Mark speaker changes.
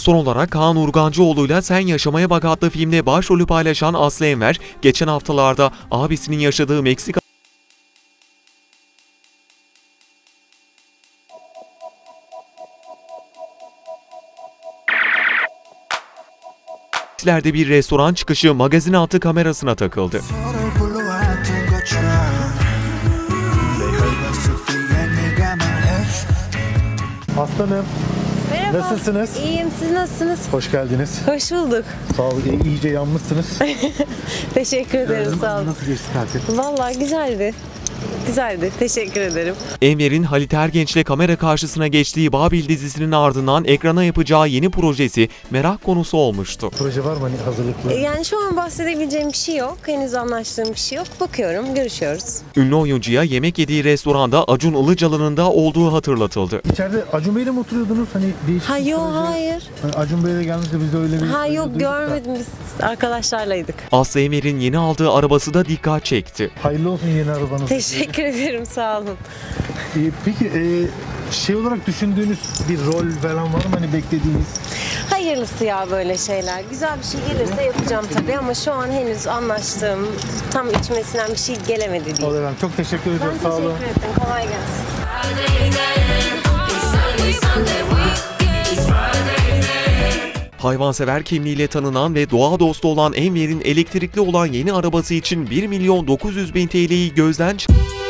Speaker 1: Son olarak Kaan Urgancıoğlu'yla Sen Yaşamaya Bak adlı filmde başrolü paylaşan Aslı Enver, geçen haftalarda abisinin yaşadığı Meksika Paris'lerde bir restoran çıkışı magazin altı kamerasına takıldı.
Speaker 2: Aslanım,
Speaker 3: Merhaba.
Speaker 2: nasılsınız?
Speaker 3: İyiyim, siz nasılsınız?
Speaker 2: Hoş geldiniz.
Speaker 3: Hoş bulduk.
Speaker 2: Sağ olun, iyice yanmışsınız.
Speaker 3: Teşekkür ederim, sağ olun.
Speaker 2: Nasıl geçti tatil?
Speaker 3: Vallahi güzeldi. Güzeldi, teşekkür ederim.
Speaker 1: Enver'in Halit Ergenç'le kamera karşısına geçtiği Babil dizisinin ardından ekrana yapacağı yeni projesi merak konusu olmuştu.
Speaker 2: Proje var mı hani hazırlıklı?
Speaker 3: Yani şu an bahsedebileceğim bir şey yok. Henüz anlaştığım bir şey yok. Bakıyorum, görüşüyoruz.
Speaker 1: Ünlü oyuncuya yemek yediği restoranda Acun Ilıcalı'nın da olduğu hatırlatıldı.
Speaker 2: İçeride Acun Bey'le mi oturuyordunuz? Hani değişik
Speaker 3: Ha
Speaker 2: bir
Speaker 3: yok,
Speaker 2: proje.
Speaker 3: hayır.
Speaker 2: Hani Acun Bey'le gelmişti biz de öyle bir...
Speaker 3: Ha
Speaker 2: öyle
Speaker 3: yok,
Speaker 2: duyduk da.
Speaker 3: görmedim, biz arkadaşlarlaydık.
Speaker 1: Aslı Enver'in yeni aldığı arabası da dikkat çekti.
Speaker 2: Hayırlı olsun yeni arabanız.
Speaker 3: Teşekkür ederim, sağ olun.
Speaker 2: Peki şey olarak düşündüğünüz bir rol falan var mı? Hani beklediğiniz?
Speaker 3: Hayırlısı ya böyle şeyler. Güzel bir şey gelirse yapacağım tabii ama şu an henüz anlaştığım, tam içmesinden bir şey gelemedi değil.
Speaker 2: Olur efendim. Çok teşekkür
Speaker 3: Ben
Speaker 2: ediyorum. Sağ olun.
Speaker 3: teşekkür ederim. Kolay gelsin.
Speaker 1: Hayvansever kimliğiyle tanınan ve doğa dostu olan Enver'in elektrikli olan yeni arabası için 1.900.000 TL'yi gözden çıkardı.